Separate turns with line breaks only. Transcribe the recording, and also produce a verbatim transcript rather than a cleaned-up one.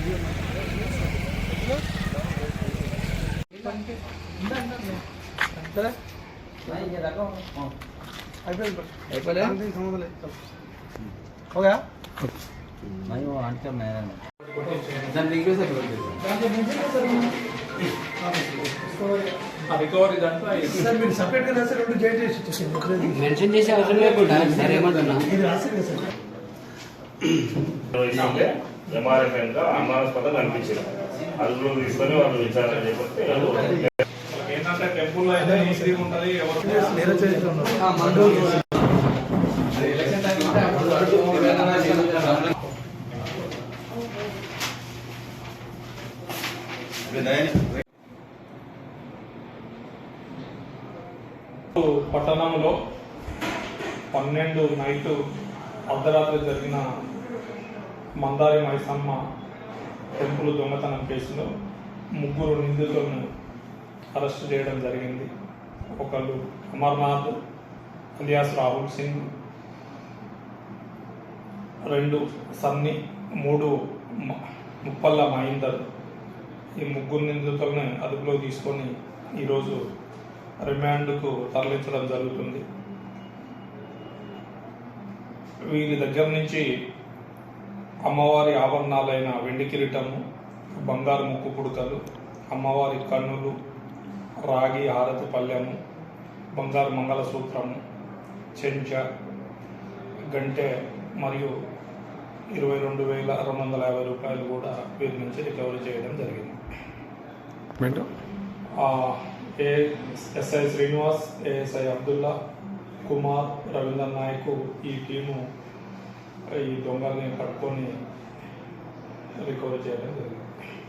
हो गया
नहीं वो आंसर नहीं है
దాని రిక్వెస్ట్
రికవరీ దాంట్లో
సార్ మీరు సపరేట్ గా రాసి రెండు జాయిన్ చేసి ఇచ్చేసింది
మెన్షన్ చేసే అవసరం లేకుండా సరే ఏమంటున్నా
ఇది రాసింది కదా
సార్ ఎంఆర్ఎఫ్ఎం గా అనుమానాస్పదంగా అనిపించింది అదుపులో తీసుకొని వాళ్ళు విచారణ చేపడితే
ఏంటంటే టెంపుల్ లో అయితే ఈజీ ఉంటది ఎవరు
నేర చేస్తున్నారు
ఎలక్షన్ టైం
పట్టణంలో పన్నెండు నైటు అర్ధరాత్రి జరిగిన మందారి మైసమ్మ టెంపుల్ దొంగతనం కేసులో ముగ్గురు నిందితులను అరెస్ట్ చేయడం జరిగింది. ఒకళ్ళు అమర్నాథ్ అలియాస్ రాహుల్ సింగ్, రెండు సన్నీ, మూడు ముప్పల్ల మహేందర్. ఈ ముగ్గురు నిందితులను అదుపులో తీసుకొని ఈరోజు రిమాండ్కు తరలించడం జరుగుతుంది. వీరి దగ్గర నుంచి అమ్మవారి ఆభరణాలైన వెండి కిరీటము, బంగారు ముక్కు పుడకలు, అమ్మవారి కన్నులు, రాగి హారతి పళ్ళెము, బంగారు మంగళసూత్రము, చెంచా, గంటె మరియు ఇరవై రెండు వేల రెండు వందల యాభై రూపాయలు కూడా వీరి నుంచి రికవరీ చేయడం జరిగింది. A SI Srinivas, ASI Abdullah, Kumar, Ravindra Nayak ఈ టీము ఈ దొంగల్ని పట్టుకొని రికవరీ చేయడం జరిగింది.